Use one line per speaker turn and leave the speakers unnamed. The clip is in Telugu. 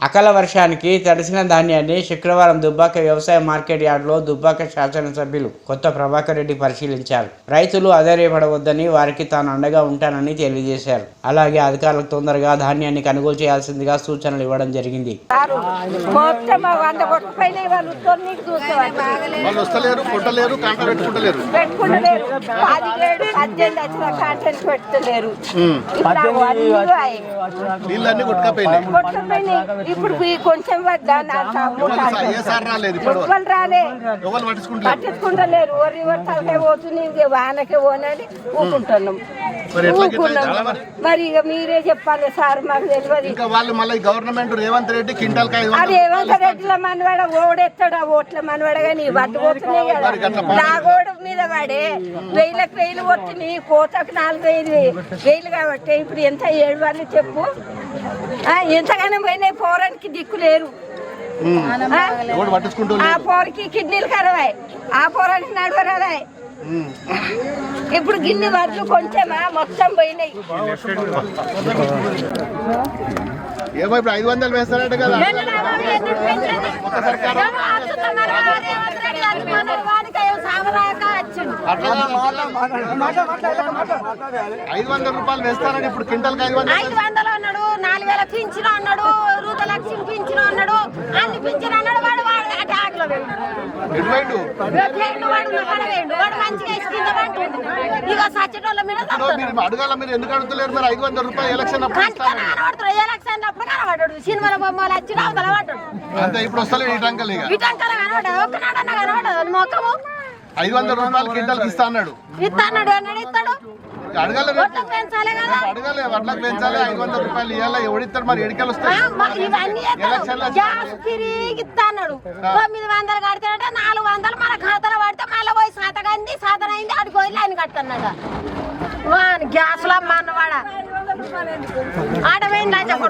అకాల వర్షానికి తడిసిన ధాన్యాన్ని శుక్రవారం దుబ్బాక వ్యవసాయ మార్కెట్ యార్డులో దుబ్బాక శాసనసభ్యులు కొత్త ప్రభాకర్ రెడ్డి పరిశీలించారు. రైతులు అధైర్యపడవద్దని, వారికి తాను అండగా ఉంటానని తెలియజేశారు. అలాగే అధికారులకు తొందరగా ధాన్యాన్ని కొనుగోలు చేయాల్సిందిగా సూచనలు ఇవ్వడం జరిగింది.
ఇప్పుడు కొంచెం పట్టించుకుంటలేరు. ఓరి తలకే పోతుంది, వానకే పోనని ఊకుంటున్నాం. మరి ఇక మీరే చెప్పాలి సార్, మాకు తెలియదు.
గవర్నమెంట్ రేవంత్ రెడ్డి కింటాల్
రేవంత్ రెడ్డిల మనవాడ ఓడెత్తాడు, ఓట్ల మనవాడ కానీ పట్టుకోతున్నాయి కదా. నా గోడు మీద పడే 1000 వచ్చినాయి, కోతకు 4000 కాబట్టి ఇప్పుడు ఎంత 7 వాళ్ళు చెప్పు. ఎంతగానో పోయినాయి, పోరానికి దిక్కు లేరు. ఆ పోరకి కిడ్నీలు ఖరాబాయి, ఆ పోరానికి నడవరాదాయి. ఇప్పుడు గిన్నె వడ్లు కొంచెమా మొత్తం పోయినాయి.
ఏమో ఇప్పుడు 500 వేస్తారట కదా. 500 రూపాయలు వేస్తారని ఇప్పుడు క్వింటల్కి
500 అన్నాడు, 4000 పింఛను అన్నాడు, రూపాయలు పింఛను అన్నాడు, అన్ని పింఛను అన్నాడు. వాడు ఆటలో
అడగాల. మీరు ఎందుకు అడుగుతలేరు? మరి 500 రూపాయలు ఎలక్షన్
ఎలక్షన్ అప్పుడు కనబడ్డాడు, సినిమాల బొమ్మలు వచ్చి కనబడ్డాడు.
అంతే ఇప్పుడు వస్తలేదు ఈ టంకలు.
కనబడ్డాడు, ఒక్కనాడన్నా కనబడ్డాడు. మొక్కము
500 రూపాయలు క్వింటల్కి ఇస్తా అన్నాడు.
ఇస్తాడు ఇస్తాడు.
అడగాలి, వడ్లకు పెంచాలి, 500 రూపాయలు ఇవ్వాలి. ఎవడిస్తాడు మరి? ఎడికలు వస్తాయి.
తిరిగిస్తాడు. 900 కడతాడట, 400 మన ఖాతాలో పడితే మళ్ళీ పోయి సాతగంది, సాధన అయింది, ఆడికి పోయి లైన్ కడతాడట. గ్యాస్ లో అన్నవాడ ఆడపోయింది.